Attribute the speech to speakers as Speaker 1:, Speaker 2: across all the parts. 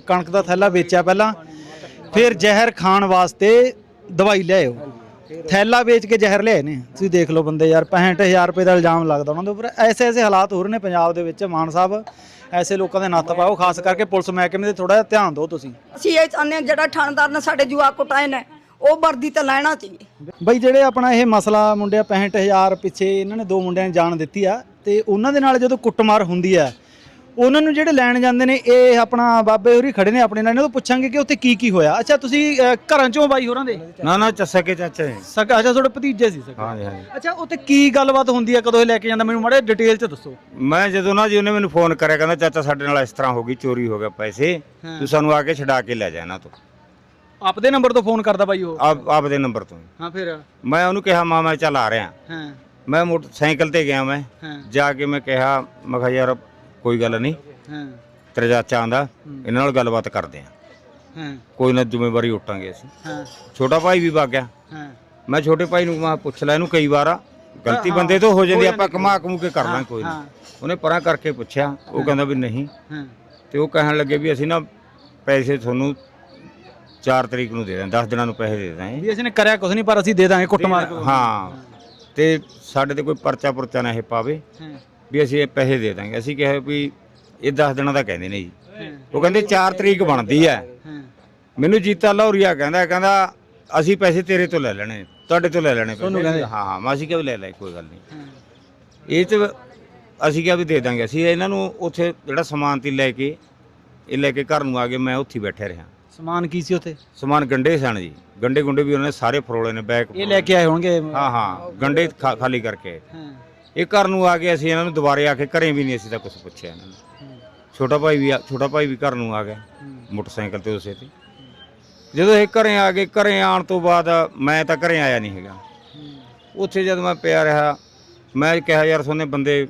Speaker 1: कणक का थैला बेचा पहला, फिर जहर खाण वास्ते दवाई लियाओ, थैला बेच के जहर लियाए ने। तुसीं देख लो बंदे यार, 65,000 रुपये का इल्जाम लगता उन्होंने उपर। ऐसे ऐसे हालात हो रहे हैं पंजाब दे विच। मान साहब ऐसे लोगों के नत्थ पाओ, खास करके पुलिस महकमे ते थोड़ा जिहा ध्यान दो तुसीं।
Speaker 2: ਅਸੀਂ ਇਹ ਚਾਹੁੰਦੇ ਹਾਂ ਜਿਹੜਾ ਥਾਣੇਦਾਰ ਨੇ ਸਾਡੇ ਜਵਾਕ ਕੁਟਾਏ ਨੇ ਉਹ ਵਰਦੀ ਤੇ ਲੈਣਾ ਚਾਹੀਏ।
Speaker 1: ਬਈ ਜਿਹੜੇ ਆਪਣਾ ਇਹ ਮਸਲਾ ਮੁੰਡਿਆ 65,000 ਪਿੱਛੇ ਇਹਨਾਂ ਨੇ 2 ਮੁੰਡਿਆਂ ਨੇ ਜਾਨ ਦਿੱਤੀ ਆ, ਤੇ ਉਹਨਾਂ ਦੇ ਨਾਲ ਜਦੋਂ ਕੁੱਟਮਾਰ ਹੁੰਦੀ ਆ, ਉਹਨਾਂ ਨੂੰ ਜਿਹੜੇ ਲੈਣ ਜਾਂਦੇ ਨੇ, ਇਹ ਆਪਣਾ ਬਾਬੇ ਹੋਰੀ ਖੜੇ ਨੇ ਆਪਣੇ ਨਾਲ, ਇਹਨਾਂ ਤੋਂ ਪੁੱਛਾਂਗੇ ਕਿ ਉੱਥੇ ਕੀ ਕੀ ਹੋਇਆ। ਅੱਛਾ ਤੁਸੀਂ ਘਰਾਂ ਚੋਂ ਬਾਈ ਹੋਰਾਂ ਦੇ
Speaker 3: ਨਾ ਨਾ ਸਕੇ ਚਾਚਾ ਜੀ।
Speaker 1: ਸਕਾ? ਅੱਛਾ ਤੁਹਾਡੇ ਭਤੀਜੇ ਸੀ ਸਕਾ?
Speaker 3: ਹਾਂਜੀ ਹਾਂਜੀ।
Speaker 1: ਅੱਛਾ ਉੱਥੇ ਕੀ ਗੱਲਬਾਤ ਹੁੰਦੀ ਆ, ਕਦੋਂ ਇਹ ਲੈ ਕੇ ਜਾਂਦਾ, ਮੈਨੂੰ ਮਾੜਾ ਡਿਟੇਲ ਚ ਦੱਸੋ।
Speaker 3: ਮੈਂ ਜਦੋਂ ਨਾ ਜੀ ਉਹਨੇ ਮੈਨੂੰ ਫੋਨ ਕਰਿਆ, ਕਹਿੰਦਾ ਚਾਚਾ ਸਾਡੇ ਨਾਲ ਇਸ ਤਰ੍ਹਾਂ ਹੋ ਗਈ, ਚੋਰੀ ਹੋ ਗਿਆ ਪੈਸੇ, ਤੂੰ ਸਾਨੂੰ ਆ ਕੇ ਛਡਾ ਕੇ ਲੈ ਜਾ ਇਹਨਾਂ ਤੋਂ।
Speaker 1: ਆਪਦੇ ਨੰਬਰ ਤੋਂ ਫੋਨ ਕਰਦਾ ਬਾਈ ਉਹ?
Speaker 3: ਆਪਦੇ ਨੰਬਰ ਤੋਂ।
Speaker 1: ਹਾਂ ਫਿਰ?
Speaker 3: ਮੈਂ ਉਹਨੂੰ ਕਿਹਾ ਮੈਂ ਚੱਲ ਆ ਰਿਹਾ।
Speaker 1: ਹਾਂ
Speaker 3: ਮੈਂ ਮੋਟਰਸਾਈਕਲ ਤੇ ਗਿਆ, ਮੈਂ ਜਾ ਕੇ ਮੈਂ ਕਿਹਾ, ਮੈਂ ਕਿਹਾ ਯਾਰ ਕੋਈ ਗੱਲ ਨਹੀਂ,
Speaker 1: ਹਾਂ
Speaker 3: ਤੇਰਾ ਚਾਚਾ ਆਂਦਾ, ਇਹਨਾਂ ਨਾਲ ਗੱਲਬਾਤ ਕਰਦੇ ਆ,
Speaker 1: ਹਾਂ
Speaker 3: ਕੋਈ ਨਾ ਜ਼ਿੰਮੇਵਾਰੀ ਉਟਾਂਗੇ ਅਸੀਂ।
Speaker 1: ਹਾਂ
Speaker 3: ਛੋਟਾ ਭਾਈ ਵੀ ਵਗ ਗਿਆ।
Speaker 1: ਹਾਂ
Speaker 3: ਮੈਂ ਛੋਟੇ ਭਾਈ ਨੂੰ ਮੈਂ ਪੁੱਛ ਲਿਆ, ਇਹਨੂੰ ਕਈ ਵਾਰ ਆ ਗਲਤੀ ਬੰਦੇ ਤੋਂ ਹੋ ਜਾਂਦੀ, ਆਪਾਂ ਕਮਾ ਕਮੂ ਕੇ ਕਰ ਲਾਂ ਕੋਈ ਨਾ। ਉਹਨੇ ਪਰਾਂ ਕਰਕੇ ਪੁੱਛਿਆ, ਉਹ ਕਹਿੰਦਾ ਵੀ ਨਹੀਂ। ਤੇ ਉਹ ਕਹਿਣ ਲੱਗੇ ਵੀ ਅਸੀਂ ਨਾ ਪੈਸੇ ਤੁਹਾਨੂੰ 4 ਤਰੀਕ ਨੂੰ ਦੇ ਦਾਂ, 10 ਦਿਨਾਂ ਨੂੰ ਪੈਸੇ ਦੇ ਦਾਂਗੇ।
Speaker 1: ਵੀ ਅਸੀਂ ਨੇ ਕਰਿਆ ਕੁਛ ਨਹੀਂ, ਪਰ ਅਸੀਂ ਦੇ ਦਾਂਗੇ ਕੁੱਟਮਾਰ।
Speaker 3: ਹਾਂ, ਤੇ ਸਾਡੇ ਤੇ ਕੋਈ ਪਰਚਾ ਪੁਰਚਾ ਨਾ ਇਹ ਪਾਵੇ, ਵੀ ਅਸੀਂ ਇਹ ਪੈਸੇ ਦੇ ਦਾਂਗੇ। ਅਸੀਂ ਕਿਹਾ ਵੀ ਇਹ 10 ਦਿਨਾਂ ਦਾ ਕਹਿੰਦੇ ਨੇ ਜੀ। ਉਹ ਕਹਿੰਦੇ 4 ਤਰੀਕ ਬਣਦੀ ਹੈ। ਮੈਨੂੰ ਜੀਤਾ ਲਾਹੌਰੀਆ ਕਹਿੰਦਾ ਅਸੀਂ ਪੈਸੇ ਤੇਰੇ ਤੋਂ ਲੈ ਲੈਣੇ, ਤੁਹਾਡੇ ਤੋਂ ਲੈ ਲੈਣੇ ਪੈਸੇ। ਹਾਂ ਹਾਂ, ਮੈਂ ਅਸੀਂ ਕਿਹਾ ਵੀ ਲੈ ਲੈ, ਕੋਈ ਗੱਲ ਨਹੀਂ। ਇਹ ਚ ਅਸੀਂ ਕਿਹਾ ਵੀ ਦੇ ਦਾਂਗੇ। ਅਸੀਂ ਇਹਨਾਂ ਨੂੰ ਉੱਥੇ ਜਿਹੜਾ ਸਮਾਨ ਤੀ ਲੈ ਕੇ ਘਰ ਨੂੰ ਆ ਗਏ। ਮੈਂ ਉੱਥੇ ਬੈਠੇ ਰਿਹਾ।
Speaker 1: ਸਮਾਨ ਕੀ ਸੀ ਉੱਥੇ?
Speaker 3: ਸਮਾਨ ਗੰਡੇ ਸਨ ਜੀ, ਗੰਡੇ ਗੁੰਡੇ ਵੀ ਉਹਨਾਂ ਨੇ ਸਾਰੇ ਫਰੋਲੇ ਨੇ, ਬੈਗ
Speaker 1: ਇਹ ਲੈ ਕੇ ਆਏ ਹੋਣਗੇ।
Speaker 3: ਹਾਂ ਹਾਂ, ਗੰਡੇ ਖਾਲੀ ਕਰਕੇ ਇਹ ਘਰ ਨੂੰ ਆ ਗਏ। ਅਸੀਂ ਇਹਨਾਂ ਨੂੰ ਦੁਬਾਰੇ ਆ ਕੇ ਘਰੇ ਵੀ ਨਹੀਂ ਅਸੀਂ ਤਾਂ ਕੁਝ ਪੁੱਛਿਆ ਇਹਨਾਂ ਨੂੰ। ਛੋਟਾ ਭਾਈ ਵੀ ਘਰ ਨੂੰ ਆ ਗਿਆ ਮੋਟਰਸਾਈਕਲ ਤੇ ਉਸੇ ਤੇ। ਜਦੋਂ ਇਹ ਘਰੇ ਆ ਗਏ, ਘਰੇ ਆਉਣ ਤੋਂ ਬਾਅਦ ਮੈਂ ਤਾਂ ਘਰੇ ਆਇਆ ਨਹੀਂ ਹੈਗਾ। ਉੱਥੇ ਜਦ ਮੈਂ ਪਿਆ ਰਿਹਾ, ਮੈਂ ਕਿਹਾ ਯਾਰ ਸੋਨੇ ਬੰਦੇ,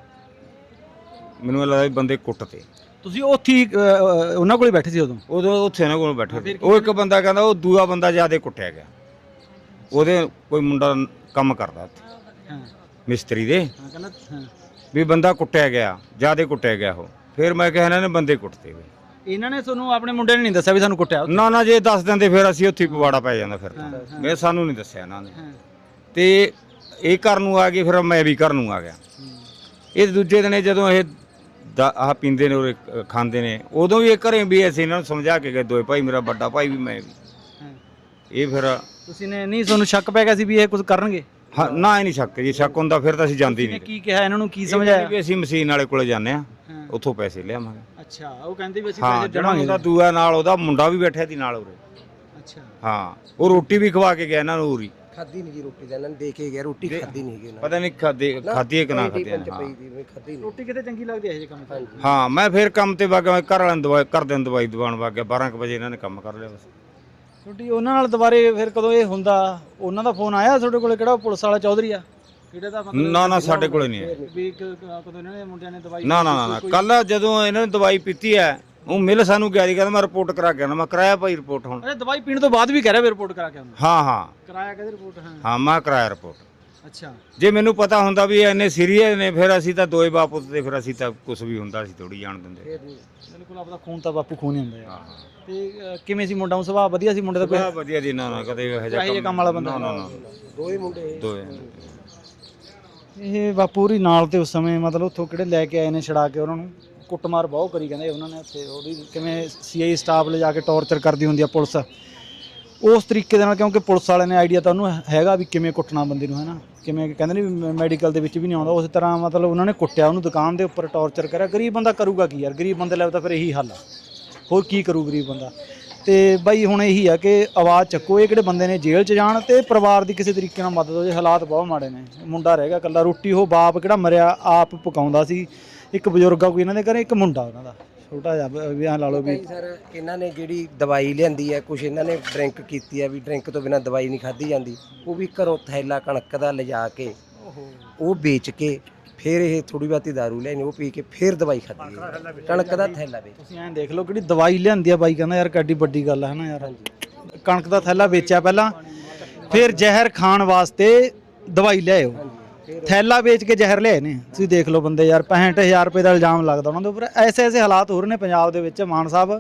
Speaker 3: ਮੈਨੂੰ ਲੱਗਦਾ ਬੰਦੇ ਕੁੱਟਤੇ।
Speaker 1: ਤੁਸੀਂ ਉੱਥੇ ਉਹਨਾਂ ਕੋਲ ਬੈਠੇ ਸੀ ਉਦੋਂ
Speaker 3: ਉੱਥੇ ਇਹਨਾਂ ਕੋਲ ਬੈਠੇ ਸੀ। ਉਹ ਇੱਕ ਬੰਦਾ ਕਹਿੰਦਾ ਉਹ ਦੂਆ ਬੰਦਾ ਜਿਆਦਾ ਕੁੱਟਿਆ ਗਿਆ। ਉਹਦੇ ਕੋਈ ਮੁੰਡਾ ਕੰਮ ਕਰਦਾ ਉੱਥੇ ਮਿਸਤਰੀ ਦੇ, ਵੀ ਬੰਦਾ ਕੁੱਟਿਆ ਗਿਆ, ਜਿਆਦਾ ਕੁੱਟਿਆ ਗਿਆ ਉਹ। ਫਿਰ ਮੈਂ ਕਿਹਾ ਇਹਨਾਂ ਨੇ ਬੰਦੇ ਕੁੱਟਤੇ ਵੇ।
Speaker 1: ਇਹਨਾਂ ਨੇ ਤੁਹਾਨੂੰ ਆਪਣੇ ਮੁੰਡੇ ਨੇ ਨਹੀਂ ਦੱਸਿਆ ਵੀ ਸਾਨੂੰ ਕੁੱਟਿਆ?
Speaker 3: ਨਾ ਨਾ, ਜੇ ਦੱਸ ਦਿੰਦੇ ਫਿਰ ਅਸੀਂ ਉੱਥੇ ਪਵਾੜਾ ਪੈ ਜਾਂਦਾ। ਫਿਰ ਤਾਂ ਸਾਨੂੰ ਨਹੀਂ ਦੱਸਿਆ ਇਹਨਾਂ ਨੇ। ਤੇ ਇਹ ਘਰ ਨੂੰ ਆ ਗਏ, ਫਿਰ ਮੈਂ ਵੀ ਘਰ ਨੂੰ ਆ ਗਿਆ। ਇਹ ਦੂਜੇ ਦਿਨ ਜਦੋਂ ਇਹ ਆਹ ਪੀਂਦੇ ਨੇ ਔਰ ਖਾਂਦੇ ਨੇ, ਉਦੋਂ ਵੀ ਇਹ ਘਰੇ ਵੀ ਅਸੀਂ ਇਹਨਾਂ ਨੂੰ ਸਮਝਾ ਕੇ ਗਏ, ਦੋਏ ਭਾਈ, ਮੇਰਾ ਵੱਡਾ ਭਾਈ ਵੀ ਮੈਂ ਵੀ। ਇਹ ਫਿਰ
Speaker 1: ਤੁਸੀਂ ਨੇ ਨਹੀਂ, ਤੁਹਾਨੂੰ ਸ਼ੱਕ ਪੈ ਗਿਆ ਸੀ ਵੀ ਇਹ ਕੁਝ ਕਰਨਗੇ?
Speaker 3: ਹਾਂ ਨਾ, ਇਹ ਨਹੀਂ ਸ਼ੱਕ ਜੀ। ਸ਼ੱਕ ਹੁੰਦਾ ਫਿਰ ਤਾਂ ਅਸੀਂ ਜਾਂਦੇ ਨਹੀਂ।
Speaker 1: ਕੀ ਕਿਹਾ ਇਹਨਾਂ ਨੂੰ, ਕੀ ਸਮਝਾਇਆ?
Speaker 3: ਵੀ ਅਸੀਂ ਮਸ਼ੀਨ ਵਾਲੇ ਕੋਲੇ ਜਾਂਦੇ ਆ, ਉੱਥੋਂ ਪੈਸੇ ਲਿਆਵਾਂਗੇ।
Speaker 1: ਅੱਛਾ, ਉਹ ਕਹਿੰਦੇ ਵੀ ਅਸੀਂ
Speaker 3: ਪੈਸੇ ਦੇਵਾਂਗੇ। ਉਹਦਾ ਦੂਆ ਨਾਲ ਉਹਦਾ ਮੁੰਡਾ ਵੀ ਬੈਠਿਆ ਸੀ ਨਾਲ ਉਰੇ।
Speaker 1: ਅੱਛਾ
Speaker 3: ਹਾਂ, ਉਹ ਰੋਟੀ ਵੀ ਖਵਾ ਕੇ ਗਿਆ ਇਹਨਾਂ ਨੂੰ ਉਰੀ।
Speaker 4: ਖਾਦੀ ਨਹੀਂ ਜੀ ਰੋਟੀ ਤਾਂ ਇਹਨਾਂ ਨੇ ਦੇ ਕੇ ਗਿਆ, ਰੋਟੀ ਖਾਦੀ ਨਹੀਂ ਹੈਗੀ।
Speaker 3: ਪਤਾ ਨਹੀਂ ਖਾਦੀ ਹੈ ਕਿ ਨਾ ਖਾਦੀ।
Speaker 1: ਰੋਟੀ ਕਿਤੇ ਚੰਗੀ ਲੱਗਦੀ ਹੈ ਇਹ ਕੰਮ?
Speaker 3: ਹਾਂ, ਮੈਂ ਫਿਰ ਕੰਮ ਤੇ ਵਗ ਗਿਆ, ਘਰ ਵਾਲਿਆਂ ਨੂੰ ਦਵਾਈ ਘਰਦਿਆਂ ਨੂੰ ਦਵਾਈ ਦਵਾਉਣ ਵਗ ਗਿਆ। 12 ਵਜੇ ਇਹਨਾਂ ਨੇ ਕੰਮ ਕਰ ਲਿਆ ਬਸ।
Speaker 1: ਤੁਹਾਡੀ ਉਹਨਾਂ ਨਾਲ ਦੁਬਾਰੇ ਫਿਰ ਕਦੋਂ ਇਹ ਹੁੰਦਾ, ਉਹਨਾਂ ਦਾ ਫੋਨ ਆਇਆ ਤੁਹਾਡੇ ਕੋਲੇ? ਕਿਹੜਾ ਪੁਲਿਸ ਵਾਲਾ ਚੌਧਰੀ ਆ ਕਿਹੜੇ ਦਾ?
Speaker 3: ਨਾ ਨਾ, ਸਾਡੇ ਕੋਲੇ ਨਹੀਂ ਹੈ।
Speaker 1: ਵੀ ਕਦੋਂ ਇਹਨਾਂ ਨੇ ਮੁੰਡਿਆਂ ਨੇ ਦਵਾਈ?
Speaker 3: ਨਾ ਨਾ ਨਾ, ਕੱਲ ਜਦੋਂ ਇਹਨਾਂ ਨੇ ਦਵਾਈ ਪੀਤੀ ਹੈ, ਉਹ ਮਿਲ ਸਾਨੂੰ ਗਿਆ ਜੀ, ਕਹਿੰਦਾ ਮੈਂ ਰਿਪੋਰਟ ਕਰਾ ਕੇ ਆਣਾ। ਮੈਂ ਕਰਾਇਆ ਭਾਈ ਰਿਪੋਰਟ ਹੁਣ।
Speaker 1: ਅਰੇ ਦਵਾਈ ਪੀਣ ਤੋਂ ਬਾਅਦ ਵੀ ਕਹਿ ਰਿਹਾ ਵੀ ਰਿਪੋਰਟ ਕਰਾ ਕੇ ਆਉਣਾ?
Speaker 3: ਹਾਂ ਹਾਂ,
Speaker 1: ਕਰਾਇਆ ਕਹਿੰਦੇ ਰਿਪੋਰਟ?
Speaker 3: ਹਾਂ ਮੈਂ ਕਰਾਇਆ ਰਿਪੋਰਟ।
Speaker 1: ਅੱਛਾ, ਜੇ
Speaker 3: ਮੈਨੂੰ ਪਤਾ ਹੁੰਦਾ ਵੀ ਇੰਨੇ ਸੀਰੀਅਸ ਨੇ, ਫਿਰ ਅਸੀਂ ਤਾਂ ਦੋਏ ਬਾਪੂ ਤੇ ਫਿਰ ਅਸੀਂ ਤਾਂ ਕੁਝ ਵੀ ਹੁੰਦਾ ਸੀ ਥੋੜੀ ਜਾਣ ਦਿੰਦੇ।
Speaker 1: ਬਿਲਕੁਲ, ਆਪਦਾ ਖੂਨ ਤਾਂ ਬਾਪੂ ਖੂਨ ਹੀ ਹੁੰਦਾ ਯਾਰ। ਤੇ ਕਿਵੇਂ ਸੀ ਮੁੰਡਾ? ਸੁਭਾਅ ਵਧੀਆ ਸੀ ਮੁੰਡੇ ਦਾ?
Speaker 3: ਕੋਈ ਵਧੀਆ ਜੀ, ਨਾ ਨਾ ਕਦੇ ਇਹੋ ਜਿਹਾ
Speaker 1: ਕੰਮ ਵਾਲਾ ਬੰਦਾ?
Speaker 3: ਨਾ ਨਾ,
Speaker 4: ਦੋਏ ਮੁੰਡੇ
Speaker 3: ਦੋਏ।
Speaker 1: ਇਹ ਬਾਪੂ ਹੋਰੀ ਨਾਲ ਤੇ ਉਸ ਸਮੇਂ ਮਤਲਬ ਉੱਥੋਂ ਕਿਹੜੇ ਲੈ ਕੇ ਆਏ ਨੇ ਛੜਾ ਕੇ, ਉਹਨਾਂ ਨੂੰ ਕੁੱਟਮਾਰ ਬਹੁਤ ਕਰੀ ਕਹਿੰਦੇ ਉਹਨਾਂ ਨੇ ਉੱਥੇ। ਉਹਦੀ ਕਿਵੇਂ ਸੀਆਈ ਸਟਾਫ ਲਿਜਾ ਕੇ ਟੌਰਚਰ ਕਰਦੀ ਹੁੰਦੀ ਆ ਪੁਲਿਸ, ਉਸ ਤਰੀਕੇ ਦੇ ਨਾਲ। ਕਿਉਂਕਿ ਪੁਲਿਸ ਵਾਲਿਆਂ ਨੇ ਆਈਡੀਆ ਤਾਂ ਉਹਨੂੰ ਹੈਗਾ ਵੀ ਕਿਵੇਂ ਕੁੱਟਣਾ ਬੰਦੇ ਨੂੰ, ਹੈ ਨਾ। ਕਿਵੇਂ ਕਹਿੰਦੇ ਨੇ ਵੀ ਮੈਡੀਕਲ ਦੇ ਵਿੱਚ ਵੀ ਨਹੀਂ ਆਉਂਦਾ, ਉਸ ਤਰ੍ਹਾਂ ਮਤਲਬ ਉਹਨਾਂ ਨੇ ਕੁੱਟਿਆ ਉਹਨੂੰ, ਦੁਕਾਨ ਦੇ ਉੱਪਰ ਟੌਰਚਰ ਕਰਿਆ। ਗਰੀਬ ਬੰਦਾ ਕਰੂਗਾ ਕੀ ਯਾਰ? ਗਰੀਬ ਬੰਦੇ ਲਈ ਤਾਂ ਫਿਰ ਇਹੀ ਹੱਲ ਆ, ਹੋਰ ਕੀ ਕਰੂ ਗਰੀਬ ਬੰਦਾ। ਤੇ ਬਾਈ ਹੁਣ ਇਹੀ ਆ ਕਿ ਆਵਾਜ਼ ਚੱਕੋ, ਇਹ ਕਿਹੜੇ ਬੰਦੇ ਨੇ ਜੇਲ੍ਹ 'ਚ ਜਾਣ, ਤੇ ਪਰਿਵਾਰ ਦੀ ਕਿਸੇ ਤਰੀਕੇ ਨਾਲ ਮਦਦ ਹੋ ਜੇ। ਹਾਲਾਤ ਬਹੁਤ ਮਾੜੇ ਨੇ। ਮੁੰਡਾ ਰਹਿ ਗਿਆ ਇਕੱਲਾ, ਰੋਟੀ ਉਹ ਬਾਪ ਕਿਹੜਾ ਮਰਿਆ ਆਪ ਪਕਾਉਂਦਾ ਸੀ। ਇੱਕ ਬਜ਼ੁਰਗ ਆ ਕੋਈ ਇਹਨਾਂ ਦੇ ਘਰੇ, ਇੱਕ ਮੁੰਡਾ ਉਹਨਾਂ ਦਾ ਛੋਟਾ ਜਿਹਾ, ਵੀ ਐਂ ਲਾ ਲਓ ਵੀ।
Speaker 4: ਸਰ ਇਹਨਾਂ ਨੇ ਜਿਹੜੀ ਦਵਾਈ ਲਿਆਂਦੀ ਹੈ, ਕੁਛ ਇਹਨਾਂ ਨੇ ਡਰਿੰਕ ਕੀਤੀ ਹੈ, ਵੀ ਡਰਿੰਕ ਤੋਂ ਬਿਨਾਂ ਦਵਾਈ ਨਹੀਂ ਖਾਧੀ ਜਾਂਦੀ। ਉਹ ਵੀ ਘਰੋਂ ਥੈਲਾ ਕਣਕ ਦਾ ਲਿਜਾ ਕੇ ਉਹ ਵੇਚ ਕੇ ਫਿਰ ਇਹ ਥੋੜੀ ਬਹੁਤੀ ਦਾਰੂ ਲੈਣੀ, ਉਹ ਪੀ ਕੇ ਫਿਰ ਦਵਾਈ ਖਾਧੀ ਹੈ। ਕਣਕ ਦਾ ਥੈਲਾ ਵੇਚ।
Speaker 1: ਤੁਸੀਂ ਐਂ ਦੇਖ ਲਓ ਕਿਹੜੀ ਦਵਾਈ ਲਿਆਂਦੀ ਆ। ਬਾਈ ਕਹਿੰਦਾ ਯਾਰ ਕਿੱਡੀ ਵੱਡੀ ਗੱਲ ਹੈ ਨਾ ਯਾਰ। ਕਣਕ ਦਾ ਥੈਲਾ ਵੇਚਿਆ ਪਹਿਲਾਂ, ਫਿਰ ਜ਼ਹਿਰ ਖਾਣ ਵਾਸਤੇ ਦਵਾਈ ਲਿਆਓ, ਥੈਲਾ ਵੇਚ ਕੇ ਜ਼ਹਿਰ ਲਿਆਏ ਨੇ। ਤੁਸੀਂ ਦੇਖ ਲਓ ਬੰਦੇ ਯਾਰ, 65,000 ਰੁਪਏ ਦਾ ਇਲਜ਼ਾਮ ਲੱਗਦਾ ਉਹਨਾਂ ਦੇ ਉੱਪਰ। ਐਸੇ ਐਸੇ ਹਾਲਾਤ ਹੋ ਰਹੇ ਨੇ ਪੰਜਾਬ ਦੇ ਵਿੱਚ। ਮਾਨ ਸਾਹਿਬ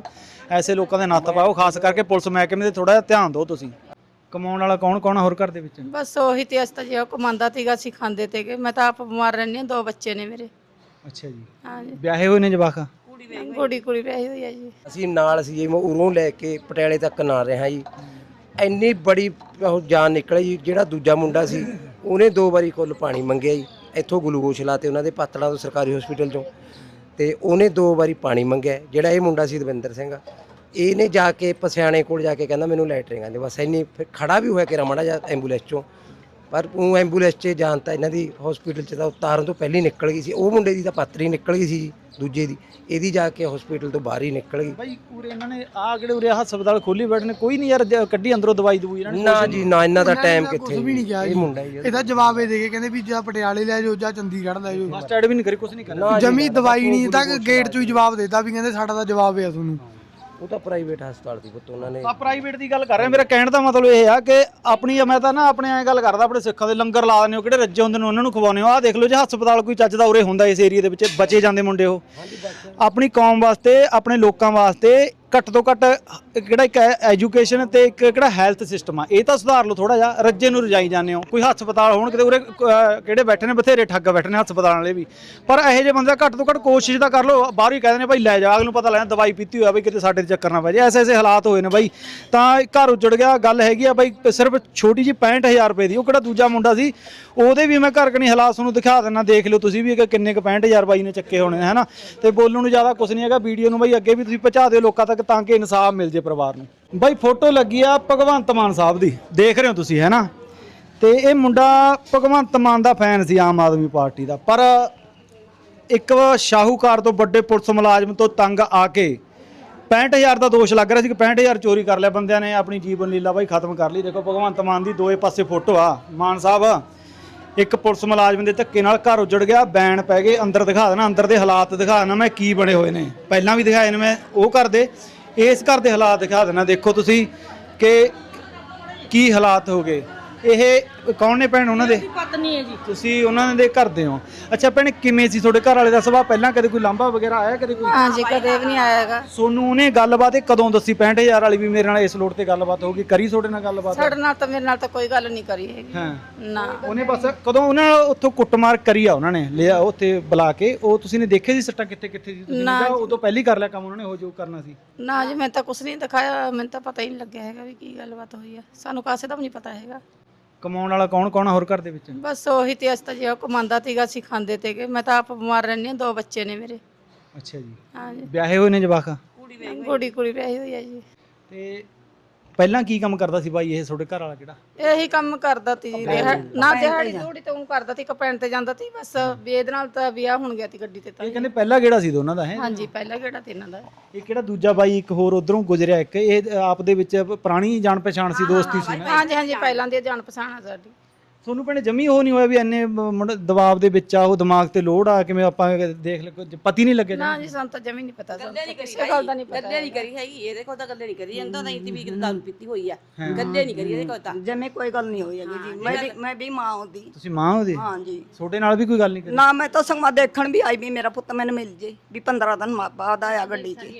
Speaker 1: ਐਸੇ ਲੋਕਾਂ ਦੇ ਨੱਥ ਪਾਓ, ਖਾਸ ਕਰਕੇ ਪੁਲਿਸ ਮਹਿਕਮੇ ਤੇ ਥੋੜਾ ਜਿਹਾ ਧਿਆਨ ਦਿਓ ਤੁਸੀਂ। ਕਮਾਉਣ ਵਾਲਾ ਕੌਣ ਕੌਣ ਆ ਹੋਰ ਘਰ ਦੇ ਵਿੱਚ?
Speaker 5: ਬਸ ਉਹੀ ਤੇ ਅਸਤਾ ਜੇ ਉਹ ਕਮਾਉਂਦਾ ਤੀਗਾ ਅਸੀਂ ਖਾਂਦੇ ਤੇਗੇ। ਮੈਂ ਤਾਂ ਆਪ ਬਿਮਾਰ ਰਹਿੰਦੀ ਹਾਂ, 2 ਬੱਚੇ ਨੇ ਮੇਰੇ।
Speaker 1: ਅੱਛਾ ਜੀ,
Speaker 5: ਹਾਂਜੀ,
Speaker 1: ਵਿਆਹੇ ਹੋਏ ਨੇ ਜਵਾਕ?
Speaker 5: ਕੁੜੀ ਵਿਆਹੀ ਹੋਈ ਹੈ ਜੀ।
Speaker 4: ਅਸੀਂ ਨਾਲ ਸੀ ਜੀ, ਮੈਂ ਉਰੋਂ ਲੈ ਕੇ ਪਟਿਆਲੇ ਤੱਕ ਨਾਲ ਰਿਹਾ ਜੀ। ਇੰਨੀ ਬੜੀ ਉਹ ਜਾਨ ਨਿਕਲੀ ਜੀ। ਜਿਹੜਾ ਦੂਜਾ ਮੁੰਡਾ ਸੀ ਉਹਨੇ 2 ਵਾਰੀ ਕੁੱਲ ਪਾਣੀ ਮੰਗਿਆ ਜੀ, ਇੱਥੋਂ ਗਲੂਕੋਸ਼ ਲਾਤੇ ਉਹਨਾਂ ਦੇ ਪਾਤੜਾਂ ਤੋਂ ਸਰਕਾਰੀ ਹਸਪੀਟਲ ਚੋਂ, ਤੇ ਉਹਨੇ 2 ਵਾਰੀ ਪਾਣੀ ਮੰਗਿਆ। ਜਿਹੜਾ ਇਹ ਮੁੰਡਾ ਸੀ ਦਵਿੰਦਰ ਸਿੰਘ, ਇਹਨੇ ਜਾ ਕੇ ਪਸਿਆਣੇ ਕੋਲ ਜਾ ਕੇ ਕਹਿੰਦਾ ਮੈਨੂੰ ਲੈਟਰਿੰਗ ਆਂਦੇ, ਬਸ ਇੰਨੀ। ਫਿਰ ਖੜਾ ਵੀ ਹੋਇਆ ਕਿ ਰਮੜਾ ਜਾ ਐਂਬੂਲੈਂਸ ਚੋਂ, ਪਰ ਉਹ ਐਂਬੂਲੈਂਸ 'ਚ ਜਾਣ ਤਾਂ ਇਹਨਾਂ ਦੀ ਹਸਪੀਟਲ 'ਚ ਤਾਂ ਉਤਾਰਨ ਤੋਂ ਪਹਿਲਾਂ ਹੀ ਨਿਕਲ ਗਈ ਸੀ। ਉਹ ਮੁੰਡੇ ਦੀ ਤਾਂ ਪਾਤਰੀ ਨਿਕਲ ਗਈ ਸੀ ਜੀ, ਦੂਜੇ ਦੀ, ਇਹਦੀ ਜਾ ਕੇ ਹਸਪੀਟਲ ਤੋਂ ਬਾਹਰ ਹੀ ਨਿਕਲ ਗਈ।
Speaker 1: ਬਾਈ ਉਰੇ ਇਹਨਾਂ ਨੇ ਕਿਹੜੇ ਉਰੇ ਹਸਪਤਾਲ ਖੋਲੀ ਬੈਠੇ ਨੇ, ਕੋਈ ਨਹੀਂ ਯਾਰ ਕੱਢੀ ਅੰਦਰੋਂ ਦਵਾਈ ਦਵਾਈ ਇਹਨਾਂ ਨੇ?
Speaker 4: ਨਾ ਜੀ ਨਾ, ਇਹਨਾਂ ਦਾ ਟਾਈਮ ਕਿੱਥੇ
Speaker 6: ਕੁਝ ਵੀ ਨਹੀਂ ਕਿਹਾ
Speaker 4: ਇਹ
Speaker 6: ਜੀ।
Speaker 4: ਮੁੰਡਾ ਹੀ
Speaker 6: ਇਹਦਾ ਜਵਾਬ ਇਹ ਦੇ ਕੇ ਕਹਿੰਦੇ ਵੀ ਜਾਂ ਪਟਿਆਲੇ ਲੈ ਜਾਓ ਜਾਂ ਚੰਡੀਗੜ੍ਹ ਲੈ ਜਾਓ।
Speaker 1: ਫਸਟ ਐਡ ਵੀ ਨਹੀਂ ਕਰੀ, ਕੁਝ ਨਹੀਂ ਕਰਿਆ।
Speaker 6: ਜਮੀ ਦਵਾਈ ਨਹੀਂ ਤੱਕ ਗੇਟ 'ਚੋਂ ਹੀ ਜਵਾਬ ਦੇਤਾ ਵੀ ਕਹਿੰਦੇ ਸਾਡਾ ਤਾਂ ਜਵਾਬ ਹੈ ਤੁਹਾਨੂੰ।
Speaker 4: ਉਹ ਤਾਂ ਪ੍ਰਾਈਵੇਟ ਹਸਪਤਾਲ ਦੀ ਪੁੱਤ ਉਹਨਾਂ ਨੇ।
Speaker 1: ਆ ਪ੍ਰਾਈਵੇਟ ਦੀ ਗੱਲ ਕਰ ਰਹੇ, ਮੇਰਾ ਕਹਿਣ ਦਾ ਮਤਲਬ ਇਹ ਆ ਕਿ ਆਪਣੀ, ਮੈਂ ਤਾਂ ਨਾ ਆਪਣੇ ਐਂ ਗੱਲ ਕਰਦਾ, ਆਪਣੇ ਸਿੱਖਾਂ ਦੇ ਲੰਗਰ ਲਾ ਦਿੰਦੇ ਹੋ, ਕਿਹੜੇ ਰੱਜੇ ਹੁੰਦੇ ਨੇ ਉਹਨਾਂ ਨੂੰ ਖਵਾਉਂਦੇ ਹੋ। ਆਹ ਦੇਖ ਲਓ ਜੇ ਹਸਪਤਾਲ ਕੋਈ ਚੱਜ ਦਾ ਉਰੇ ਹੁੰਦਾ ਇਸ ਏਰੀਆ ਦੇ ਵਿੱਚ, ਬਚੇ ਜਾਂਦੇ ਮੁੰਡੇ ਉਹ। ਆਪਣੀ ਕੌਮ ਵਾਸਤੇ, ਆਪਣੇ ਲੋਕਾਂ ਵਾਸਤੇ ਘੱਟ ਤੋਂ ਘੱਟ ਕਿਹੜਾ ਇੱਕ ਐਜੂਕੇਸ਼ਨ ਤੇ ਇੱਕ ਕਿਹੜਾ ਹੈਲਥ ਸਿਸਟਮ ਆ, ਇਹ ਤਾਂ ਸੁਧਾਰ ਲਓ ਥੋੜਾ ਜਿਹਾ। ਰੱਜੇ ਨੂੰ ਰਜਾਈ ਜਾਂਦੇ ਹੋ। ਕੋਈ ਹਸਪਤਾਲ ਹੋਣ ਕਿਤੇ ਉਰੇ, ਕਿਹੜੇ ਬੈਠੇ ਨੇ ਬਥੇਰੇ ਠੱਗ ਬੈਠੇ ਨੇ ਹਸਪਤਾਲਾਂ ਵਾਲੇ ਵੀ, ਪਰ ਇਹੋ ਜਿਹੇ ਬੰਦੇ ਘੱਟ ਤੋਂ ਘੱਟ ਕੋਸ਼ਿਸ਼ ਤਾਂ ਕਰ ਲਓ। ਬਾਹਰ ਹੀ ਕਹਿੰਦੇ ਨੇ ਭਾਈ ਲੈ ਜਾ, ਅਗਲੇ ਨੂੰ ਪਤਾ ਲੈਣਾ ਦਵਾਈ ਪੀਤੀ ਹੋਇਆ ਬਈ ਕਿਤੇ ਸਾਡੇ ਤੇ ਚੱਕਰ ਨਾ ਪੈ ਜਾਏ। ਐਸੇ ਹਾਲਾਤ ਹੋਏ ਨੇ ਬਾਈ, ਤਾਂ ਘਰ ਉੱਜੜ ਗਿਆ। ਗੱਲ ਹੈਗੀ ਆ ਬਾਈ ਸਿਰਫ ਛੋਟੀ ਜਿਹੀ 65,000 ਰੁਪਏ ਦੀ। ਉਹ ਕਿਹੜਾ ਦੂਜਾ ਮੁੰਡਾ ਸੀ, ਉਹਦੇ ਵੀ ਮੈਂ ਘਰ ਕਣੀ ਹਾਲਾਤ ਤੁਹਾਨੂੰ ਦਿਖਾ ਦਿੰਦਾ, ਦੇਖ ਲਿਓ ਤੁਸੀਂ ਵੀ ਕਿ ਕਿੰਨੇ ਕੁ 65,000 ਬਾਈ ਨੇ ਚੱਕੇ ਹੋਣੇ ਹੈ ਨਾ। ਤੇ ਬੋਲਣ ਨੂੰ ਜ਼ਿਆਦਾ ਕੁਝ ਨਹੀਂ ਹੈਗਾ। ਵੀਡੀਓ ਨੂੰ ਬਾਈ ਅੱਗੇ ਵੀ ਤੁਸੀਂ ਪਹੁੰਚਾ ਦਿਓ ਲੋਕਾਂ ਤੱਕ, ਤਾਂ ਕਿ ਇਨਸਾਫ ਮਿਲ ਜੇ ਪਰਿਵਾਰ ਨੂੰ। ਬਾਈ ਫੋਟੋ ਲੱਗੀ ਆ ਭਗਵੰਤ ਮਾਨ ਸਾਹਿਬ ਦੀ, ਦੇਖ ਰਹੇ ਹੋ ਤੁਸੀਂ ਹੈ ਨਾ। ਤੇ ਇਹ ਮੁੰਡਾ ਭਗਵੰਤ ਮਾਨ ਦਾ ਫੈਨ ਸੀ, ਆਮ ਆਦਮੀ ਪਾਰਟੀ ਦਾ, ਪਰ ਇੱਕ ਸ਼ਾਹੂਕਾਰ ਤੋਂ ਵੱਡੇ ਪੁਲਿਸ ਮੁਲਾਜ਼ਮ ਤੋਂ ਤੰਗ ਆ ਕੇ 65,000 ਦਾ ਦੋਸ਼ ਲੱਗ ਰਿਹਾ ਸੀ ਕਿ 65,000 ਚੋਰੀ ਕਰ ਲਿਆ ਬੰਦਿਆਂ ਨੇ। ਆਪਣੀ ਜੀਵਨ ਲੀਲਾ ਬਾਈ ਖਤਮ ਕਰ ਲਈ। ਦੇਖੋ ਭਗਵੰਤ ਮਾਨ ਦੀ ਦੋਏ ਪਾਸੇ ਫੋਟੋ ਆ। ਮਾਨ ਸਾਹਿਬ ਇੱਕ ਪੁਲਿਸ ਮੁਲਾਜ਼ਮ ਦੇ ਧੱਕੇ ਨਾਲ ਘਰ ਉੱਜੜ ਗਿਆ, ਬੈਨ ਪੈ ਗਏ। ਅੰਦਰ ਦਿਖਾ ਦੇਣਾ, ਅੰਦਰ ਦੇ ਹਾਲਾਤ ਦਿਖਾ ਦੇਣਾ ਮੈਂ ਕੀ ਬਣੇ ਹੋਏ ਨੇ, ਪਹਿਲਾਂ ਵੀ ਦਿਖਾਏ ਨੇ ਮੈਂ। ਉਹ ਘਰ ਦੇ, ਇਸ ਘਰ ਦੇ ਹਾਲਾਤ ਦਿਖਾ ਦੇਣਾ। ਦੇਖੋ ਤੁਸੀਂ ਕਿ ਕੀ ਹਾਲਾਤ ਹੋ ਗਏ। ਇਹ ਕੌਣ ਨੇ ਭੈਣ? ਉਹਨਾਂ ਦੇ
Speaker 5: ਪਤਨੀ ਹੈ ਜੀ।
Speaker 1: ਤੁਸੀਂ ਉਹਨਾਂ ਦੇ ਘਰ ਦੇ ਹੋ? ਅੱਛਾ ਭੈਣ, ਕਿਵੇਂ ਸੀ ਤੁਹਾਡੇ ਘਰ ਵਾਲੇ ਦਾ ਸੁਭਾਅ? ਪਹਿਲਾਂ ਕਦੇ ਕੋਈ ਲਾਂਭਾ ਵਗੈਰਾ ਆਇਆ ਕਦੇ ਕੋਈ?
Speaker 5: ਹਾਂਜੀ, ਕਦੇ ਵੀ ਨਹੀਂ ਆਏਗਾ।
Speaker 1: ਸੋਨੂੰ ਉਹਨੇ ਗੱਲਬਾਤ ਇਹ ਕਦੋਂ ਦੱਸੀ 65,000 ਵਾਲੀ ਵੀ ਮੇਰੇ ਨਾਲ ਇਸ ਲੋੜ ਤੇ ਗੱਲਬਾਤ ਹੋਊਗੀ? ਕਰੀ ਤੁਹਾਡੇ ਨਾਲ ਗੱਲਬਾਤ?
Speaker 5: ਸਾਡੇ ਨਾਲ ਤਾਂ, ਮੇਰੇ ਨਾਲ ਤਾਂ ਕੋਈ ਗੱਲ ਨਹੀਂ ਕਰੀ ਹੈਗੀ।
Speaker 1: ਹਾਂ,
Speaker 5: ਨਾ
Speaker 1: ਉਹਨੇ ਬਸ ਕਦੋਂ ਉਹਨਾਂ ਉੱਥੋਂ ਕੁੱਟਮਾਰ ਕਰੀ ਆ, ਉਹਨਾਂ ਨੇ ਲਿਆ ਉੱਥੇ ਬੁਲਾ ਕੇ। ਉਹ ਤੁਸੀਂ ਨੇ ਦੇਖੇ ਸੀ ਸੱਟਾਂ ਕਿੱਥੇ ਕਿੱਥੇ ਸੀ? ਤੁਸੀਂ ਨੇ ਉਦੋਂ ਪਹਿਲੀ ਕਰ ਲਿਆ ਕੰਮ ਉਹਨਾਂ ਨੇ ਉਹ ਜੋ ਕਰਨਾ ਸੀ?
Speaker 5: ਨਾ ਜੀ, ਮੈਂ ਤਾਂ ਕੁਝ ਨਹੀਂ ਦਿਖਾਇਆ। ਮੈਨੂੰ ਤਾਂ ਪਤਾ ਹੀ ਨਹੀਂ ਲੱਗਿਆ ਹੈਗਾ ਵੀ ਕੀ ਗੱਲਬਾਤ ਹੋਈ ਆ। ਸਾਨੂੰ ਕਾਸੇ ਦਾ ਵੀ ਨਹੀਂ ਪਤਾ ਹੈਗਾ।
Speaker 1: ਕਮਾਉਣ ਵਾਲਾ ਕੌਣ ਕੌਣ ਆ ਹੋਰ ਘਰ ਦੇ ਵਿੱਚ?
Speaker 5: ਬਸ ਉਹੀ ਤੇ ਅਸਤਾ ਜੇ ਉਹ ਕਮਾਉਂਦਾ ਤੀਗਾ ਅਸੀਂ ਖਾਂਦੇ ਤੇਗੇ। ਮੈਂ ਤਾਂ ਆਪ ਬਿਮਾਰ ਰਹਿੰਦੀ ਹਾਂ, 2 ਬੱਚੇ ਨੇ ਮੇਰੇ।
Speaker 1: ਅੱਛਾ ਜੀ,
Speaker 5: ਹਾਂਜੀ,
Speaker 1: ਵਿਆਹੇ ਹੋਏ ਨੇ ਜਵਾਕ?
Speaker 5: ਕੁੜੀ ਵਿਆਹੀ ਹੋਈ ਹੈ ਜੀ।
Speaker 1: ਤੇ ਪਹਿਲਾਂ ਕੀ ਕੰਮ ਕਰਦਾ ਸੀ ਬਾਈ ਇਹ ਤੁਹਾਡੇ ਘਰ ਵਾਲਾ ਕਿਹੜਾ?
Speaker 5: ਇਹੀ ਕੰਮ ਕਰਦਾ ਤੀ ਜੀ। ਨਾ ਦਿਹਾੜੀ ਥੋੜੀ ਤੇ ਉਹ ਕਰਦਾ ਤੀ, ਕਪੈਣ ਤੇ ਜਾਂਦਾ ਤੀ ਬਸ। ਵੀ ਇਹਦੇ ਨਾਲ ਤਾਂ ਵਿਆਹ ਹੁਣ ਗਿਆ ਤੀ ਗੱਡੀ ਤੇ ਤਾਂ।
Speaker 1: ਇਹ ਕਹਿੰਦੇ ਪਹਿਲਾ ਕਿਹੜਾ ਸੀ ਦੋਨਾਂ ਦਾ ਹੈ?
Speaker 5: ਹਾਂਜੀ, ਪਹਿਲਾ ਕਿਹੜਾ ਤੇ ਇਹਨਾਂ ਦਾ।
Speaker 1: ਇਹ ਕਿਹੜਾ ਦੂਜਾ ਬਾਈ ਇੱਕ ਹੋਰ ਉਧਰੋਂ ਗੁਜ਼ਰਿਆ ਇੱਕ, ਇਹ ਆਪ ਦੇ ਵਿੱਚ ਪੁਰਾਣੀ ਜਾਣ ਪਛਾਣ ਸੀ, ਦੋਸਤੀ ਸੀ ਨਾ?
Speaker 5: ਹਾਂਜੀ ਹਾਂਜੀ, ਪਹਿਲਾਂ ਦੀ ਜਾਣ ਪਛਾਣ ਆ ਸਾਡੀ।
Speaker 1: ਤੁਹਾਨੂੰ ਭੈਣੇ ਜਮੀ ਉਹ ਨਹੀਂ ਹੋਇਆ ਵੀ ਇੰਨੇ ਦਬਾਅ ਦੇ ਵਿੱਚ ਆ, ਉਹ ਦਿਮਾਗ ਤੇ ਲੋਡ ਆ, ਕਿਵੇਂ ਆਪਾਂ ਦੇਖ ਲੈ ਕੁਝ ਪਤੀ ਨਹੀਂ ਲੱਗਿਆ?
Speaker 5: ਨਾ ਜੀ, ਸਾਨੂੰ ਤਾਂ ਜਮੀ ਨਹੀਂ ਪਤਾ। ਸਾਨੂੰ ਕਿਸੇ ਗੱਲ ਦਾ ਨਹੀਂ ਪਤਾ।
Speaker 7: ਗੱਲੇ ਨਹੀਂ ਕਰੀ ਹੈਗੀ ਇਹਦੇ ਕੋਲ ਤਾਂ, ਗੱਲੇ ਨਹੀਂ ਕਰੀ ਜਾਂਦਾ ਤਾਂ ਇੰਤੀ ਵੀ ਦਾਰੂ ਪੀਤੀ ਹੋਈ ਆ। ਗੱਲੇ ਨਹੀਂ ਕਰੀ ਇਹਦੇ ਕੋਲ ਤਾਂ।
Speaker 2: ਜਮੇ ਕੋਈ ਗੱਲ ਨਹੀਂ ਹੋਈ ਹੈਗੀ ਜੀ। ਮੈਂ ਵੀ ਮਾਂ ਹੁੰਦੀ।
Speaker 1: ਤੁਸੀਂ ਮਾਂ ਉਹਦੇ?
Speaker 2: ਹਾਂਜੀ।
Speaker 1: ਤੁਹਾਡੇ ਨਾਲ ਵੀ ਕੋਈ ਗੱਲ ਨਹੀਂ ਕਰੀ?
Speaker 2: ਨਾ, ਮੈਂ ਤਾਂ ਸੰਗਵਾ ਦੇਖਣ ਵੀ ਆਈ ਵੀ ਮੇਰਾ ਪੁੱਤ ਮੈਨੂੰ ਮਿਲ ਜੇ ਵੀ 15 ਦਿਨ ਬਾਅਦ ਆਇਆ ਗੱਡੀ 'ਚ।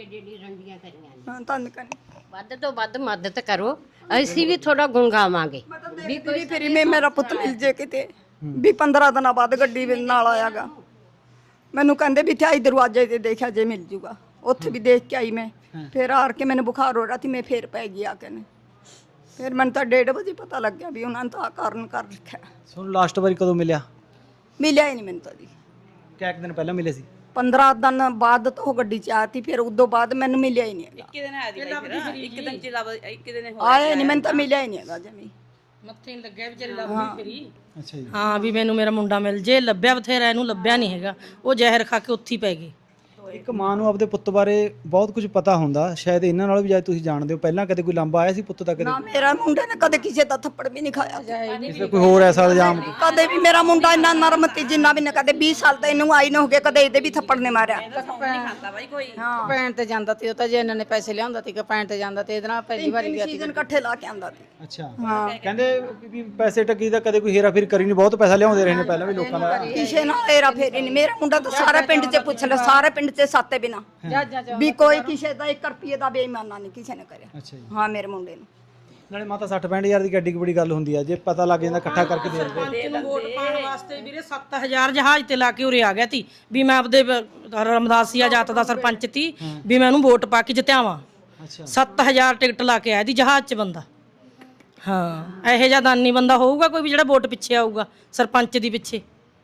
Speaker 2: ਹਾਂ, ਤੁਹਾਨੂੰ ਕਹਿੰਦੀ
Speaker 8: ਵੱਧ ਤੋਂ ਵੱਧ ਮਦਦ ਕਰੋ, ਅਸੀਂ ਵੀ ਥੋੜਾ ਗੁਣ ਗਾਵਾਂਗੇ।
Speaker 2: ਵੀ ਫਿਰ ਮੈਂ ਮੇਰਾ ਪੁੱਤ ਮਿਲ ਜੇ ਕਿਤੇ ਵੀ 15 ਦਿਨਾਂ ਬਾਅਦ ਗੱਡੀ ਨਾਲ ਆਇਆਗਾ। ਮੈਨੂੰ ਕਹਿੰਦੇ ਵੀ ਇੱਥੇ ਦਰਵਾਜ਼ੇ ਤੇ ਦੇਖਿਆ ਜੇ ਮਿਲ ਜੂਗਾ। ਉੱਥੇ ਵੀ ਦੇਖ ਕੇ ਆਈ ਮੈਂ। ਫਿਰ ਆਰ ਕੇ ਮੈਨੂੰ ਬੁਖਾਰ ਹੋ ਰਿਹਾ ਸੀ, ਮੈਂ ਫਿਰ ਪੈ ਗਈ ਆ ਕੇ ਨੇ। ਫਿਰ ਮੈਨੂੰ ਤਾਂ 1:30 ਵਜੇ ਪਤਾ ਲੱਗਿਆ ਵੀ ਉਹਨਾਂ ਨੇ ਤਾਂ ਕਾਰਨ ਕਰ ਰੱਖਿਆ।
Speaker 1: ਤੁਹਾਨੂੰ ਲਾਸਟ ਵਾਰੀ ਕਦੋਂ ਮਿਲਿਆ
Speaker 2: ਮਿਲਿਆ ਹੀ ਨਹੀਂ ਮੈਨੂੰ ਤਾਂ ਜੀ।
Speaker 1: ਕਿੰਨੇ ਦਿਨ ਪਹਿਲਾਂ ਮਿਲੇ ਸੀ?
Speaker 2: 15 ਦਿਨ ਬਾਅਦ ਤਾਂ ਉਹ ਗੱਡੀ 'ਚ ਆਤੀ। ਫਿਰ ਉਦੋਂ ਬਾਅਦ ਮੈਨੂੰ ਮਿਲਿਆ ਹੀ ਨਹੀਂ ਹੈਗਾ।
Speaker 7: ਇੱਕ ਦਿਨ ਆਇਆ ਦੀ ਇੱਕ ਦਿਨ ਚ ਲੱਭ, ਇੱਕ ਦਿਨ
Speaker 2: ਆਇਆ ਨਹੀਂ, ਮੈਨੂੰ ਤਾਂ ਮਿਲਿਆ ਹੀ ਨਹੀਂ ਹੈਗਾ ਜਮੀ।
Speaker 9: ਮੱਥੇ ਨਹੀਂ ਲੱਗਿਆ ਵਿਚਾਰੀ ਲੱਭਦੀ ਫਿਰੀ।
Speaker 1: ਅੱਛਾ ਜੀ।
Speaker 9: ਹਾਂ, ਵੀ ਮੈਨੂੰ ਮੇਰਾ ਮੁੰਡਾ ਮਿਲ ਜੇ। ਲੱਭਿਆ ਬਥੇਰਾ, ਇਹਨੂੰ ਲੱਭਿਆ ਨਹੀਂ ਹੈਗਾ। ਉਹ ਜ਼ਹਿਰ ਖਾ ਕੇ ਉੱਥੇ ਹੀ ਪੈ ਗਈ।
Speaker 1: ਇੱਕ ਮਾਂ ਨੂੰ ਆਪਦੇ ਪੁੱਤ ਬਾਰੇ ਬਹੁਤ ਕੁਝ ਪਤਾ ਹੁੰਦਾ, ਸ਼ਾਇਦ ਇਹਨਾਂ ਨਾਲ ਵੀ, ਜਦ ਤੁਸੀਂ ਜਾਣਦੇ ਹੋ। ਪਹਿਲਾਂ ਕਦੇ ਕੋਈ ਲਾਂਭਾ ਆਇਆ ਸੀ ਪੁੱਤ ਦਾ? ਕਦੇ
Speaker 2: ਨਾ, ਮੇਰਾ ਮੁੰਡੇ ਨੇ ਕਦੇ ਕਿਸੇ ਦਾ ਥੱਪੜ ਵੀ ਨਹੀਂ ਖਾਇਆ।
Speaker 1: ਕਿਸੇ ਕੋਈ ਹੋਰ ਐਸਾ ਇਲਜ਼ਾਮ?
Speaker 2: ਕਦੇ ਵੀ ਮੇਰਾ ਮੁੰਡਾ ਇੰਨਾ ਨਰਮ ਤੀ ਜਿੰਨਾ ਵੀ ਨਾ। ਕਦੇ 20 ਸਾਲ ਤਾਂ ਇਹਨੂੰ ਆਈ ਨਾ ਹੋ ਗਿਆ, ਕਦੇ ਇਹਦੇ ਵੀ ਥੱਪੜ ਨੇ ਮਾਰਿਆ।
Speaker 7: ਖਾਂਦਾ ਬਾਈ ਕੋਈ।
Speaker 5: ਕਪੈਣ ਤੇ ਜਾਂਦਾ ਤੀ ਉਹ ਤਾਂ, ਜੇ ਇਹਨਾਂ ਨੇ ਪੈਸੇ ਲਿਆਉਂਦਾ ਤੀ ਕਪੈਣ ਤੇ ਜਾਂਦਾ ਤੇ ਇਹਦੇ ਨਾਲ ਪਹਿਲੀ ਵਾਰੀ ਗਿਆ ਤੀ।
Speaker 2: ਸੀਜ਼ਨ ਇਕੱਠੇ ਲਾ ਕੇ ਆਂਦਾ ਸੀ।
Speaker 1: ਅੱਛਾ, ਕਹਿੰਦੇ ਵੀ ਪੈਸੇ ਟੱਕੀ ਦਾ ਕਦੇ ਕੋਈ ਹੇਰਾ ਫੇਰ ਕਰੀ ਨਹੀਂ, ਬਹੁਤ ਪੈਸਾ ਲਿਆਉਂਦੇ ਰਹੇ ਨੇ ਪਹਿਲਾਂ ਵੀ ਲੋਕਾਂ ਦਾ।
Speaker 2: ਕਿਸੇ ਨਾਲ ਹੇਰਾ ਫੇਰੀ ਨਹੀਂ। ਮੇਰਾ ਮੁੰਡਾ ਤਾਂ ਸਾਰੇ ਪਿੰਡ 'ਚ ਪੁੱਛ ਲੈ, ਸਾਰੇ ਪਿੰਡ 'ਚ ਤੇ ਸਾਤੇ ਬਿਨਾ
Speaker 5: ਜਹਾਜ਼ਾਂ 'ਚ
Speaker 2: ਵੀ ਕੋਈ ਕਿਸੇ ਦਾ 1 ਰੁਪਏ ਦਾ ਬੇਈਮਾਨਾ ਨਹੀਂ ਕਿਸੇ ਨੇ ਕਰਿਆ।
Speaker 1: ਅੱਛਾ ਜੀ।
Speaker 2: ਹਾਂ ਮੇਰੇ ਮੁੰਡੇ ਨੂੰ
Speaker 1: ਨਾਲੇ ਮਾਤਾ 60-65 ਹਜ਼ਾਰ ਦੀ ਗੱਡੀ ਬੜੀ ਗੱਲ ਹੁੰਦੀ ਆ, ਜੇ ਪਤਾ ਲੱਗ ਜਾਂਦਾ ਇਕੱਠਾ ਕਰਕੇ ਦੇ ਦਿੰਦੇ।
Speaker 9: ਸਰਪੰਚ ਨੂੰ ਵੋਟ ਪਾਉਣ ਵਾਸਤੇ ਵੀਰੇ 7000 ਜਹਾਜ਼ ਤੇ ਲਾ ਕੇ ਉਰੇ ਆ ਗਿਆ ਤੀ ਵੀ ਮੈਂ ਆਪਦੇ ਰਮਦਾਸੀਆ ਜਾਤ ਦਾ ਸਰਪੰਚ ਤੀ ਵੀ ਮੈਂ ਉਹਨੂੰ ਵੋਟ ਪਾ ਕੇ ਜਿੱਤਿਆਵਾਂ।
Speaker 1: ਅੱਛਾ
Speaker 9: 7000 ਟਿਕਟ ਲਾ ਕੇ ਆਇਆ ਦੀ ਜਹਾਜ਼ 'ਚ ਬੰਦਾ। ਹਾਂ ਇਹੋ ਜਿਹਾ ਦਾਨੀ ਬੰਦਾ ਹੋਊਗਾ ਕੋਈ ਵੀ ਜਿਹੜਾ ਵੋਟ ਪਿੱਛੇ ਆਊਗਾ ਸਰਪੰਚ ਦੀ ਪਿੱਛੇ।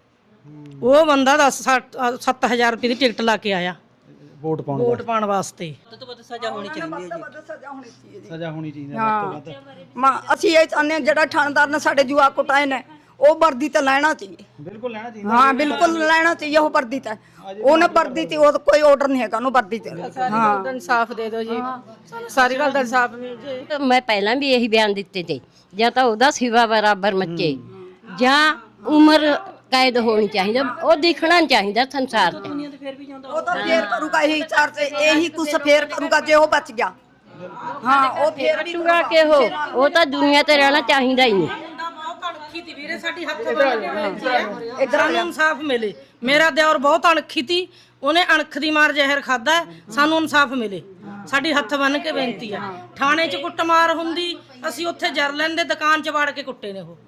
Speaker 9: ਉਹ ਬੰਦਾ 7000 ਰੁਪਏ ਦੀ ਟਿਕਟ ਲਾ ਕੇ ਆਇਆ
Speaker 1: ਵੋਟ ਪਾਉਣ
Speaker 9: ਵੋਟ ਪਾਉਣ ਵਾਸਤੇ।
Speaker 2: ਸਜ਼ਾ ਹੋਣੀ ਚਾਹੀਦੀ ਹੈ
Speaker 1: ਸਜ਼ਾ ਹੋਣੀ ਚਾਹੀਦੀ ਹੈ ਵੱਧ ਤੋਂ ਵੱਧ।
Speaker 2: ਮਾਂ ਅਸੀਂ ਇਹ ਚਾਹੁੰਦੇ ਹਾਂ ਜਿਹੜਾ ਥਾਣੇਦਾਰ ਨੇ ਸਾਡੇ ਜੁਆ ਕੁਟਾਏ ਨੇ ਉਹ ਵਰਦੀ ਤੇ ਲੈਣਾ ਚਾਹੀਏ।
Speaker 1: ਬਿਲਕੁਲ ਲੈਣਾ ਚਾਹੀਦਾ।
Speaker 2: ਹਾਂ ਬਿਲਕੁਲ ਲੈਣਾ ਚਾਹੀਏ ਉਹ ਵਰਦੀ ਤੇ। ਉਹਨੇ ਵਰਦੀ ਤੇ ਉਹ ਕੋਈ ਆਰਡਰ ਨਹੀਂ ਹੈਗਾ ਉਹਨੂੰ ਵਰਦੀ ਤੇ।
Speaker 5: ਹਾਂ ਇਨਸਾਫ ਦੇ ਦਿਓ ਜੀ, ਸਾਰੀ ਗੱਲ ਦਾ ਇਨਸਾਫ ਮਿਲ ਜੇ।
Speaker 8: ਮੈਂ ਪਹਿਲਾਂ ਵੀ ਇਹੀ ਬਿਆਨ ਦਿੱਤੇ ਤੇ, ਜਾਂ ਤਾਂ ਉਹਦਾ ਸਿਵਾ ਬਰਾਬਰ ਮੱਚੇ ਜਾਂ ਉਮਰ ਕੈਦ ਹੋਣੀ ਚਾਹੀਦਾ, ਉਹ ਦਿਖਣਾ ਚਾਹੀਦਾ ਸੰਸਾਰ 'ਚ।
Speaker 2: ਉਹ ਤਾਂ ਫੇਰ ਕਰੂਗਾ ਇਹੀ ਚਾਰ ਤੇ ਇਹੀ ਕੁਛ ਫੇਰ ਕਰੂਗਾ ਜੇ ਉਹ ਬਚ ਗਿਆ। ਹਾਂ ਉਹ ਫੇਰ ਵੀ
Speaker 8: ਚੁਰਾ ਕੇ ਉਹ ਤਾਂ ਦੁਨੀਆ ਤੇ ਰਹਿਣਾ ਚਾਹੀਦਾ ਹੀ ਨਹੀਂ।
Speaker 9: ਬਹੁਤ ਅਣਖੀ ਤੀ ਵੀਰੇ ਸਾਡੀ ਹੱਥ ਸਾਨੂੰ ਇਨਸਾਫ ਮਿਲੇ। ਮੇਰਾ ਦਿਓਰ ਬਹੁਤ ਅਣਖੀ ਤੀ, ਉਹਨੇ ਅਣਖ ਦੀ ਮਾਰ ਜ਼ਹਿਰ ਖਾਦਾ, ਸਾਨੂੰ ਇਨਸਾਫ ਮਿਲੇ। ਸਾਡੀ ਹੱਥ ਬੰਨ ਕੇ ਬੇਨਤੀ ਆ, ਥਾਣੇ 'ਚ ਕੁੱਟਮਾਰ ਹੁੰਦੀ ਅਸੀਂ ਉੱਥੇ ਜਰ ਲੈਂਦੇ, ਦੁਕਾਨ 'ਚ ਵੜ ਕੇ ਕੁੱਟੇ ਨੇ ਉਹ।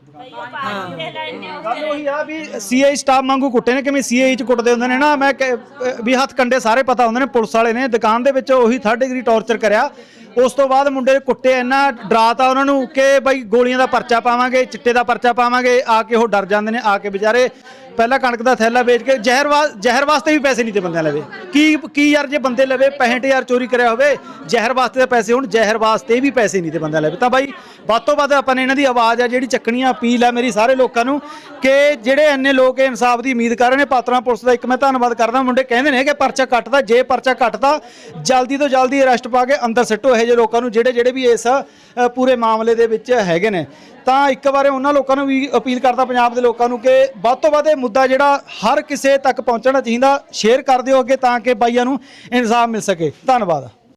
Speaker 1: ਗੱਲ ਉਹੀ ਆ ਵੀ ਸੀਆਈ ਸਟਾਫ ਵਾਂਗੂ ਕੁੱਟੇ ਨੇ, ਕਿਵੇਂ ਸੀਆਈ 'ਚ ਕੁੱਟਦੇ ਹੁੰਦੇ ਨੇ ਨਾ। ਮੈਂ ਵੀ ਹੱਥ ਕੰਡੇ ਸਾਰੇ ਪਤਾ ਹੁੰਦੇ ਨੇ। ਪੁਲਿਸ ਵਾਲੇ ਨੇ ਦੁਕਾਨ ਦੇ ਵਿੱਚ ਉਹੀ 3rd ਡਿਗਰੀ ਟੌਰਚਰ ਕਰਿਆ। ਉਸ ਤੋਂ ਬਾਅਦ ਮੁੰਡੇ ਕੁੱਟੇ, ਇੰਨਾ ਡਰਾਤਾ ਉਹਨਾਂ ਨੂੰ ਕਿ ਬਈ ਗੋਲੀਆਂ ਦਾ ਪਰਚਾ ਪਾਵਾਂਗੇ, ਚਿੱਟੇ ਦਾ ਪਰਚਾ ਪਾਵਾਂਗੇ। ਆ ਕੇ ਉਹ ਡਰ ਜਾਂਦੇ ਨੇ। ਆ ਕੇ ਵਿਚਾਰੇ ਪਹਿਲਾਂ ਕਣਕ ਦਾ ਥੈਲਾ ਵੇਚ ਕੇ ਜ਼ਹਿਰ ਵਾਸਤੇ ਵੀ ਪੈਸੇ ਨਹੀਂ ਤੇ ਬੰਦਿਆਂ ਲਵੇ। ਕੀ ਯਾਰ ਜੇ ਬੰਦੇ ਲਵੇ 65000 ਚੋਰੀ ਕਰਿਆ ਹੋਵੇ, ਜ਼ਹਿਰ ਵਾਸਤੇ ਦੇ ਪੈਸੇ ਹੁਣ, ਜ਼ਹਿਰ ਵਾਸਤੇ ਵੀ ਪੈਸੇ ਨਹੀਂ ਤੇ ਬੰਦਿਆਂ ਲਵੇ। ਤਾਂ ਬਾਈ ਵੱਧ ਤੋਂ ਵੱਧ ਆਪਾਂ ਨੇ ਇਹਨਾਂ ਦੀ ਆਵਾਜ਼ ਆ ਜਿਹੜੀ ਚੱਕਣੀ ਆ। ਅਪੀਲ ਆ ਮੇਰੀ ਸਾਰੇ ਲੋਕਾਂ ਨੂੰ ਕਿ ਜਿਹੜੇ ਇੰਨੇ ਲੋਕ ਇਨਸਾਫ ਦੀ ਉਮੀਦ ਕਰ ਰਹੇ ਨੇ। ਪਾਤਰਾਂ ਪੁਲਿਸ ਦਾ ਇੱਕ ਮੈਂ ਧੰਨਵਾਦ ਕਰਦਾ। ਮੁੰਡੇ ਕਹਿੰਦੇ ਨੇ ਕਿ ਪਰਚਾ ਕੱਟਦਾ, ਜੇ ਪਰਚਾ ਕੱਟਦਾ ਜਲਦੀ ਤੋਂ ਜਲਦੀ ਅਰੈਸਟ ਪਾ ਕੇ ਅੰਦਰ ਸਿੱਟੋ ਇਹੋ ਜਿਹੇ ਲੋਕਾਂ ਨੂੰ ਜਿਹੜੇ ਵੀ ਇਸ ਪੂਰੇ ਮਾਮਲੇ ਦੇ ਵਿੱਚ ਹੈਗੇ ਨੇ। ਤਾਂ ਇੱਕ ਵਾਰ ਉਹਨਾਂ ਲੋਕਾਂ ਨੂੰ ਵੀ ਅਪੀਲ ਕਰਦਾ, ਪੰਜਾਬ ਦੇ ਲੋਕਾਂ ਨੂੰ, ਕਿ ਵੱਧ ਤੋਂ ਵੱਧ ਇਹ ਮੁੱਦਾ ਜਿਹੜਾ ਹਰ ਕਿਸੇ ਤੱਕ ਪਹੁੰਚਣਾ ਚਾਹੀਦਾ। ਸ਼ੇਅਰ ਕਰ ਦਿਓ ਅੱਗੇ ਤਾਂ ਕਿ ਬਾਈਆਂ ਨੂੰ ਇਨਸਾਫ ਮਿਲ ਸਕੇ। ਧੰਨਵਾਦ।